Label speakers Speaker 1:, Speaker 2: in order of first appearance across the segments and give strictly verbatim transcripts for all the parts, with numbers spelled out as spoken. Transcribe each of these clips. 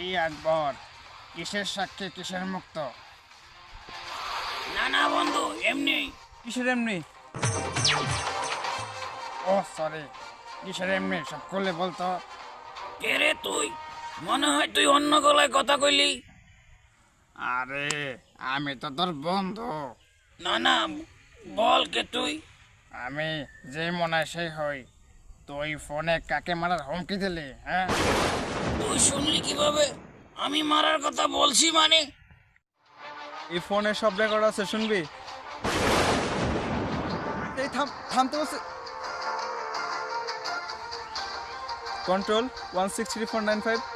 Speaker 1: কি আকবর, কিসের সাক্ষী কিসের মুক্ত?
Speaker 2: না না বন্ধু, এমনি।
Speaker 3: কিসের এমনি?
Speaker 1: ও সরি, কিসের এমনি সব করলে বলতো।
Speaker 2: কে রে তুই? মনে হয় তুই অন্য গলায় কথা কইলি।
Speaker 1: আরে আমি তো তোর বন্ধু।
Speaker 2: না না, বল কে তুই?
Speaker 1: আমি যে মনে হয় সেই হই। তুই ফোনে কাকে মারার হুমকি দিলি? হ্যাঁ,
Speaker 2: তুই শুনলি কিভাবে? আমি মারার কথা বলছি মানে?
Speaker 3: এই ফোনে সব রেকর্ড আছে, শুনবি? এই থাম, থামতে বলছে। Control one six three four nine five.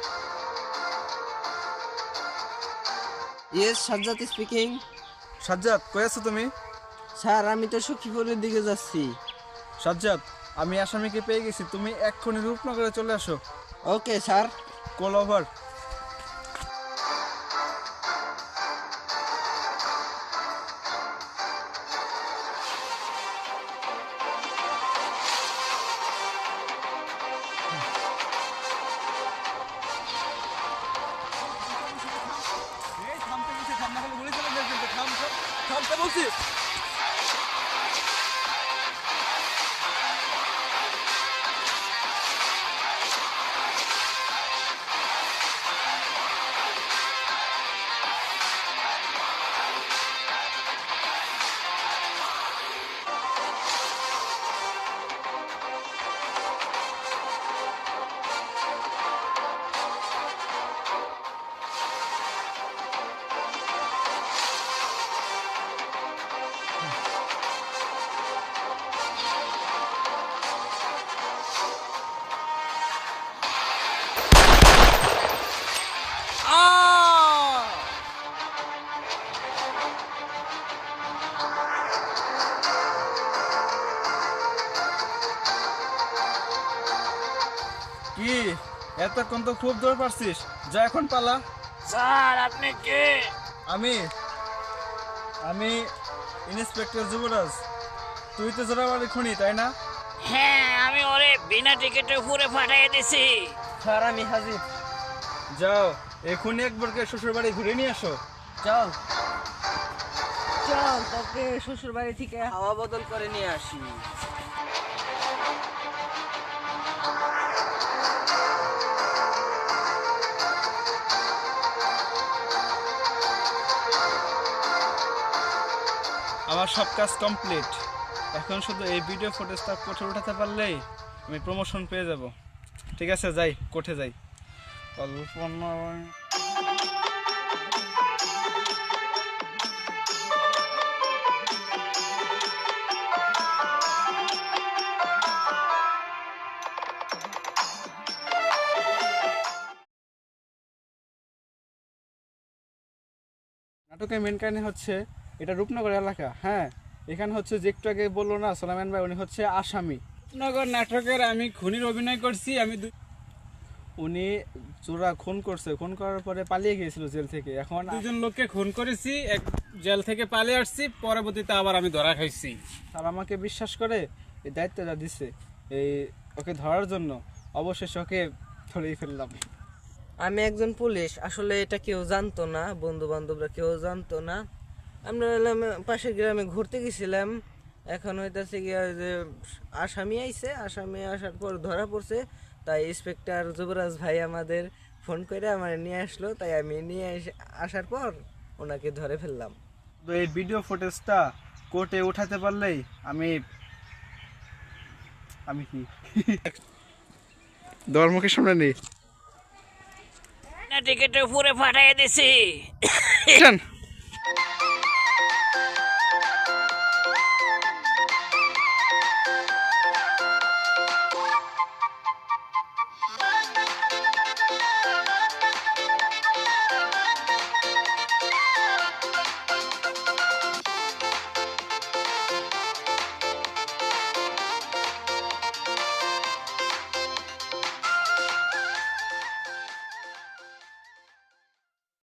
Speaker 4: Yes, Sajjad speaking.
Speaker 3: Sajjad, কই আছো তুমি?
Speaker 4: স্যার, আমি তো সখীপুরের দিকে যাচ্ছি।
Speaker 3: সাজ্জাদ, আমি আসামিকে পেয়ে গেছি, তুমি এক্ষুনি রূপনগরে চলে আসো।
Speaker 4: Okay sir.
Speaker 3: Call over. থামতে বলছি। কি এতক্ষণ তো খুব দৌড় পারছিস, যা এখন পালা।
Speaker 2: স্যার, আপনি কে?
Speaker 3: আমি আমি ইন্সপেক্টর যুবরাজ। তুই তো জোড়াবাড়ি খুনি, তাই না?
Speaker 2: হ্যাঁ, আমি ওরে বিনা টিকিটে ঘুরে পাঠিয়ে দিছি।
Speaker 4: স্যার, আমি হাজির।
Speaker 3: যাও, এখনই একবারকে শ্বশুর বাড়ি ঘুরে নিয়ে আসো।
Speaker 4: চল চল, তোকে শ্বশুর বাড়ি থেকে হাওয়া বদল করে নিয়ে আসি।
Speaker 3: আমার সব কাজ কমপ্লিট। এখন শুধু এই ভিডিও ফুটেজটা কোর্টে উঠাতে পারলেই আমি প্রমোশন পেয়ে যাব। ঠিক আছে, যাই, কোর্টে যাই।
Speaker 1: কল্পনা
Speaker 3: নাটকের মেন কাহিনী হচ্ছে এটা রূপনগর এলাকা। হ্যাঁ, এখানে হচ্ছে যে একটু আগে বললো না সোলাইমান ভাই, উনি হচ্ছে আসামি।
Speaker 5: রূপনগর নাটকের আমি খুনির অভিনয় করছি। আমি দু-
Speaker 3: উনি চোরা খুন করছে, খুন করার পরে পালিয়ে গিয়েছিল জেল থেকে। এখন
Speaker 5: দুজন লোককে খুন করেছি, এক জেল থেকে পালিয়ে আসছি, পরবর্তীতে আবার আমি ধরা খাইছি।
Speaker 3: আর আমাকে বিশ্বাস করে এই দায়িত্বটা দিচ্ছে এই ওকে ধরার জন্য। অবশেষে ওকে ধরেই ফেললাম।
Speaker 4: আমি একজন পুলিশ, আসলে এটা কেউ জানতো না, বন্ধু বান্ধবরা কেউ জানতো না। আমরা হলাম পাশের গ্রামে ঘুরতে গেছিলাম। এখন হইতাছে গিয়া ওই যে আসামি আইছে, আসামি আসার পর ধরা পড়ছে। তাই ইন্সপেক্টর যুবরাজ ভাই আমাদের ফোন করে আমার নিয়ে আসলো, তাই আমি নিয়ে এসে- আসার পর ওনাকে ধরে ফেললাম।
Speaker 3: তো এই ভিডিও ফুটেজটা কোর্টে উঠাতে পারলেই আমি আমি কি ধর্মকে সামনে নেই।
Speaker 2: বিনা টিকিটে ঘুরে পাঠিয়ে দিছি।
Speaker 3: শোন।